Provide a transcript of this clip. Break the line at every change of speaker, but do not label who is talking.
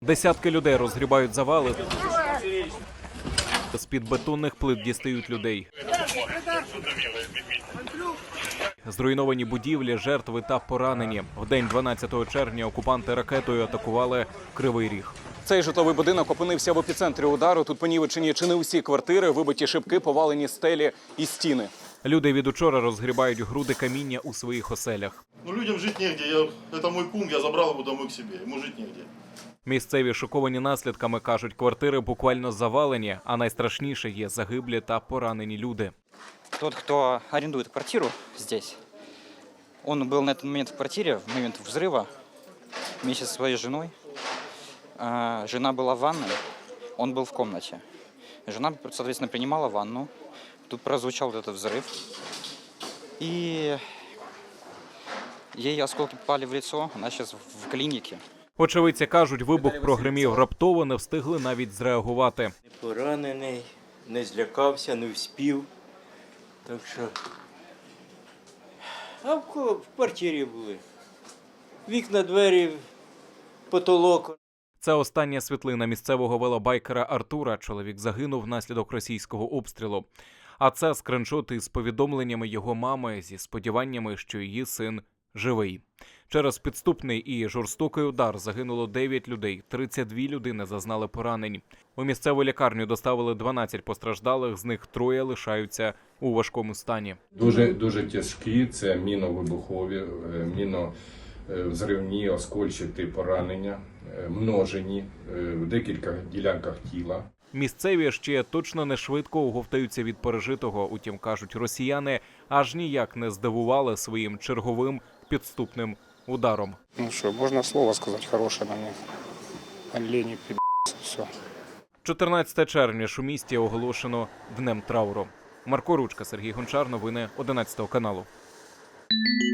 Десятки людей розгрібають завали. З-під бетонних плит дістають людей. Зруйновані будівлі, жертви та поранені. В день 12 червня окупанти ракетою атакували Кривий Ріг. Цей житловий будинок опинився в епіцентрі удару. Тут понівечені чи не усі квартири, вибиті шибки, повалені стелі і стіни. Люди від учора розгрібають груди каміння у своїх оселях.
Людям жити негде. Це мій кум, я забрав його домой к собі. Йому жити негде.
Місцеві шоковані наслідками, кажуть, квартири буквально завалені, а найстрашніше є загиблі та поранені люди.
Тот, кто арендует квартиру здесь, он был на этот момент в квартире, в момент взрыва, вместе со своей женой. Жена была в ванной, он был в комнате. Жена, соответственно, принимала ванну. Тут прозвучал вот этот взрыв. И ей осколки попали в лицо, она сейчас в клинике.
Очевидці кажуть, вибух прогримів раптово, не встигли навіть зреагувати.
Не поранений, не злякався, не вспів. Так що... А в квартирі були. Вікна, двері, потолок.
Це остання світлина місцевого велобайкера Артура. Чоловік загинув внаслідок російського обстрілу. А це скриншоти з повідомленнями його мами зі сподіваннями, що її син живий. Через підступний і жорстокий удар загинуло 9 людей, 32 людини зазнали поранень. У місцеву лікарню доставили 12 постраждалих, з них 3 лишаються у важкому стані.
Дуже тяжкі, це міновибухові, міновзривні, оскольчаті поранення, множені в декілька ділянках тіла.
Місцеві ще точно не швидко оговтаються від пережитого. Утім, кажуть, росіяни аж ніяк не здивували своїм черговим підступним ударом.
Ну що, можна слово сказати хороше на них. Олені, пі***ці, все.
14 червня у місті оголошено Днем трауру. Марко Ручка, Сергій Гончар, новини 11 каналу.